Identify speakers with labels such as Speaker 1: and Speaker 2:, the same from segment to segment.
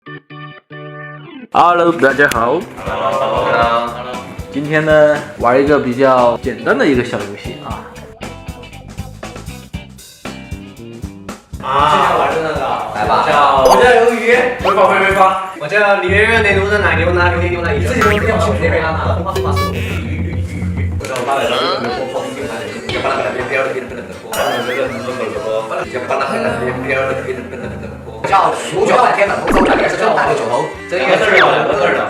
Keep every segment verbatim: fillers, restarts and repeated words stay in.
Speaker 1: Hello， 大家好。
Speaker 2: Hello，
Speaker 1: 今天呢，玩一个比较简单的一个小游戏啊。
Speaker 2: 啊，今天玩的那个，
Speaker 3: 来吧。
Speaker 2: 叫我叫鱿鱼，回发回回发。我叫李圆圆，内陆人奶牛奶牛奶牛奶，自己都不要去那边啊。红花红花是鱼鱼鱼鱼。我叫我爸来了，我我我喜欢的，要把那个边边的变得更多。把那个人怎么怎么，要把那个边边的变得更更多。
Speaker 3: 叫五角半天冷风走，也是叫大六九头。
Speaker 2: 这一个字儿两个字儿的。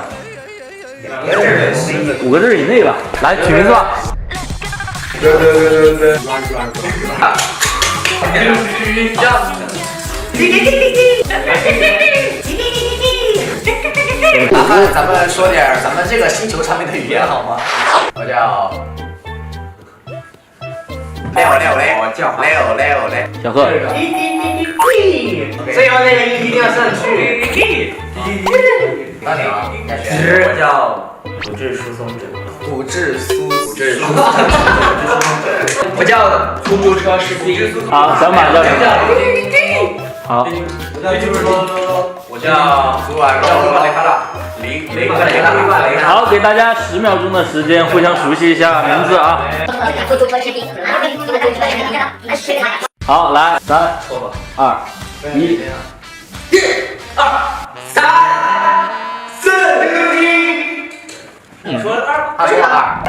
Speaker 1: 五个字以内吧。来取名字吧。
Speaker 2: 对对对对对。软软软。鱼酱。
Speaker 3: 麻烦咱们说点咱们这个星球上面的语言好吗？我叫六六六，我叫六六六。
Speaker 1: 小贺。
Speaker 2: 最后那个一一定要上去。
Speaker 3: 那你啊，
Speaker 2: 我叫骨质疏松者。
Speaker 3: 骨质疏骨质疏。
Speaker 2: 我叫出租车司机。
Speaker 1: 好，小马叫什么？好。
Speaker 2: 就是说，我叫
Speaker 3: 苏尔叫雷卡拉，
Speaker 2: 雷雷克雷克雷克。
Speaker 1: 好，给大家十秒钟的时间，互相熟悉一下名字啊。好，来，三、二、一，
Speaker 2: 一、二、三、四、一。你说二，
Speaker 3: 他说二。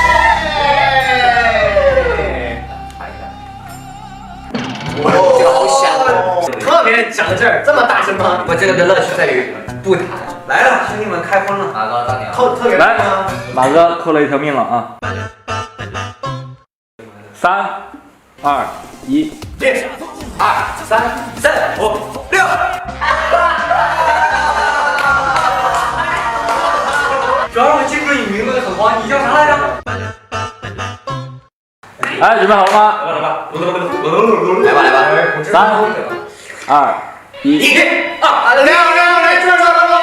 Speaker 3: 哇，这个好响哦！
Speaker 2: 特别讲到这儿，这么大声吗？我这个的乐趣在于不弹。来了，兄弟们开荤了。
Speaker 3: 马哥到你了。
Speaker 2: 特特别
Speaker 1: 来，马哥扣了一条命了啊！三、二、一，
Speaker 2: 一、二、三、四、五、六。主要是我记不住你名字很慌，你叫啥来着？
Speaker 1: 来，准备好了吗？
Speaker 2: 来吧，来吧，
Speaker 3: 来吧来吧。
Speaker 1: 三、二、一，
Speaker 2: 一、二、六、六、来这这这。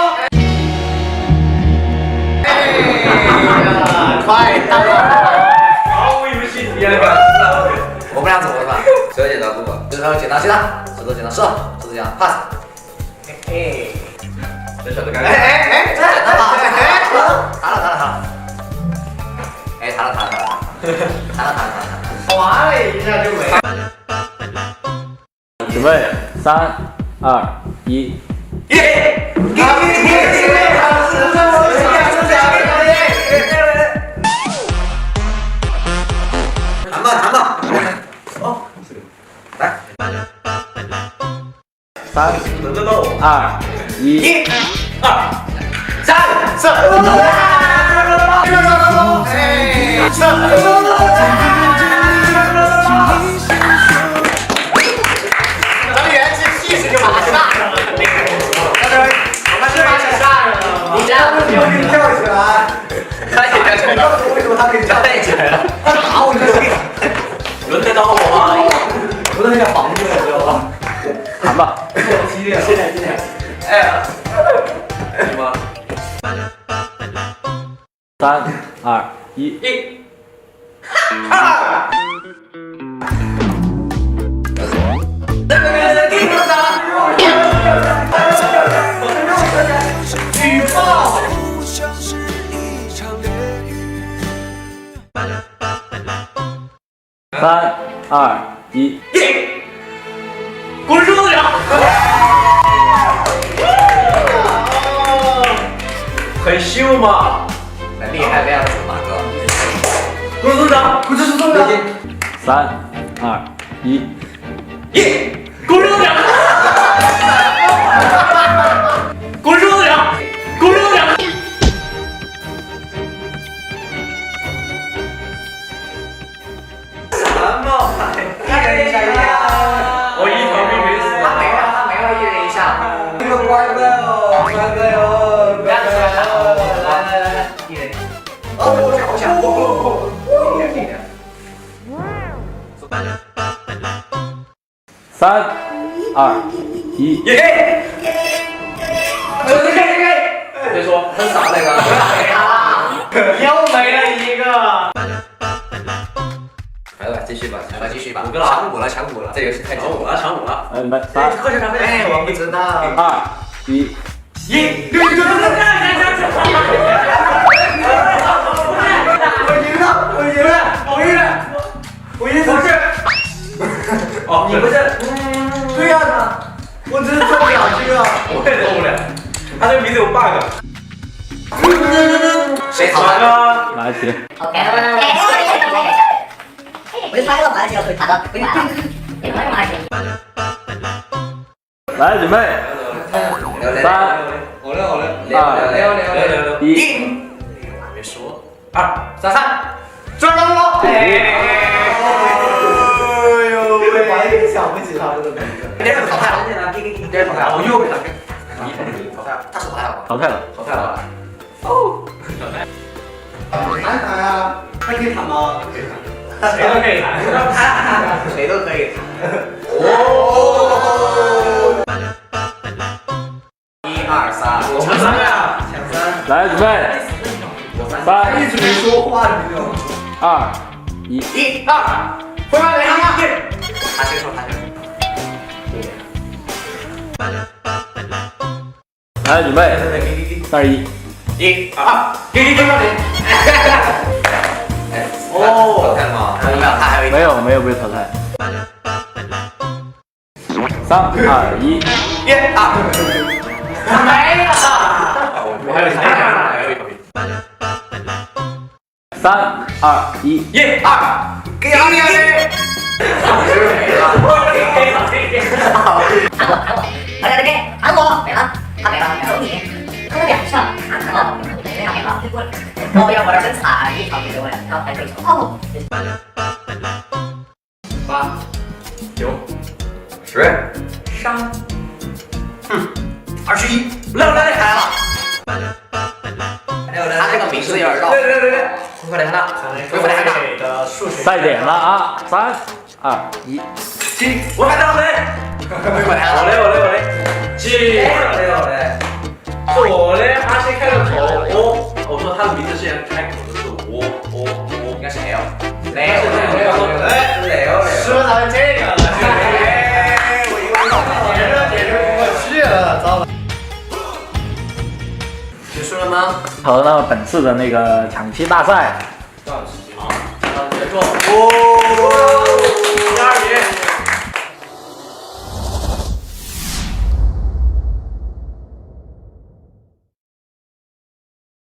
Speaker 3: 快到了！
Speaker 2: 毫无游戏体验感。
Speaker 3: 我们俩怎么办？石头剪刀布，石头剪刀石头，石头剪刀石头，石头剪刀 pass。
Speaker 2: 嘿，这小子干。
Speaker 3: 哎哎哎，这他妈！弹了弹了弹了！哎，弹了弹了弹了弹了弹了弹了！
Speaker 2: 滑了一下就没了。
Speaker 1: 准备，三、二、一，
Speaker 2: 耶！弹吧弹吧。哦，来。
Speaker 1: 三、
Speaker 2: 轮得到我。
Speaker 1: 二、一，
Speaker 2: 一、二、三、四、五、六、咱们元气气势就马上大上了。但是我们这边是大上了。你这样子就可以跳起来。他也跳起来了。为什么他可以跳起来了？他打我，你就轮得到我吗？我都有点防住了，知道吧？
Speaker 1: 弹吧。
Speaker 2: 激烈，现在现在。哎呀，什么？
Speaker 1: 三、二、一，
Speaker 2: 一、二。举报。
Speaker 1: 三、二、一，
Speaker 2: 一。滚梳子长。很秀嘛。
Speaker 3: 很厉害的样子，马哥。
Speaker 2: 滚梳子长，滚梳子长。
Speaker 1: 三、二、一，
Speaker 2: 一。滚梳子长。滚梳子长。滚梳子长。什么？一人一下呀！我一条命没死。
Speaker 3: 他没了，他没了，一人一下。
Speaker 2: 这个乖乖哦，乖乖哦，
Speaker 3: 不要起来了，来来来来，一人。哦，这好响！一点一点。
Speaker 1: 三、二、一，
Speaker 2: 耶！别说，
Speaker 3: 很少那个。
Speaker 2: 又没了一个。
Speaker 3: 来吧，继续吧，来吧，继续吧。
Speaker 2: 五个了，
Speaker 3: 抢五了，抢五了，这游戏太
Speaker 2: 抢五了，抢五了。
Speaker 1: 嗯，来，三、
Speaker 3: 喝水咖啡。哎，我不知道。
Speaker 1: 二、一，
Speaker 2: 一，六六六六六。我赢了，我赢了，我赢了，我赢了。不是。哦，你不是？对呀，我只是做不了这个。我也做不了。他这个名字有 bug。
Speaker 3: 谁淘汰？
Speaker 1: 拿起。
Speaker 4: OK， 我就猜到马来西亚可以查到，不用买了，也不用马来西亚。
Speaker 1: 来，准备。三、
Speaker 2: 我来，我来。
Speaker 3: 六六六六六六六。
Speaker 1: 一。
Speaker 3: 还没说。
Speaker 2: 二三三，转了了。哎呦喂！完全想不起他这个名字。
Speaker 3: 这是淘汰了，这是淘汰了。
Speaker 2: 我又被他给。
Speaker 3: 淘汰了，他是淘汰了吗？
Speaker 1: 淘汰了。
Speaker 2: 淘汰了。哦。谈谈啊，他可以谈吗？可以谈。谁都可以谈。
Speaker 3: 谁都可以谈。哦。一二三，
Speaker 2: 抢三呀！抢三。
Speaker 1: 来，准备。三。
Speaker 2: 一直没说话，你知道吗？
Speaker 1: 二。一。
Speaker 2: 一二，回来来一。
Speaker 3: 他先说，他先说。
Speaker 1: 来，准备。三二一。
Speaker 2: 一二，给给给给。
Speaker 3: 哦，淘汰了吗？没有，他还有一
Speaker 1: 没有，没有被淘汰。三二一。
Speaker 2: 一二。没了。我还有一还有一个。
Speaker 1: 三二一。
Speaker 2: 一二，给二给二。
Speaker 4: 大家给喊我没了，他没了，走你，他有两项，他看到没他没了，我要我这真惨，一场比我两场还可以哦。
Speaker 2: 八九十三，嗯，二十一，来来来，来了。
Speaker 3: 他这个名字有点绕。
Speaker 2: 对对对对，
Speaker 3: 快点看他，快点看他。
Speaker 2: 的数学。
Speaker 1: 赛点了啊！三二一。
Speaker 2: 七，我喊到没？我嘞我嘞我嘞，七，我嘞我嘞，是我嘞，他先开了口，我我说他的名字是先开口的是我我我，
Speaker 3: 应该是 L。
Speaker 2: 雷雷雷雷雷雷，说咱们这个了，我以为解释解释不过去了，糟了。
Speaker 3: 结束了吗？
Speaker 1: 好，那么本次的那个抢七大赛，
Speaker 2: 多少时间？啊，结束。哦。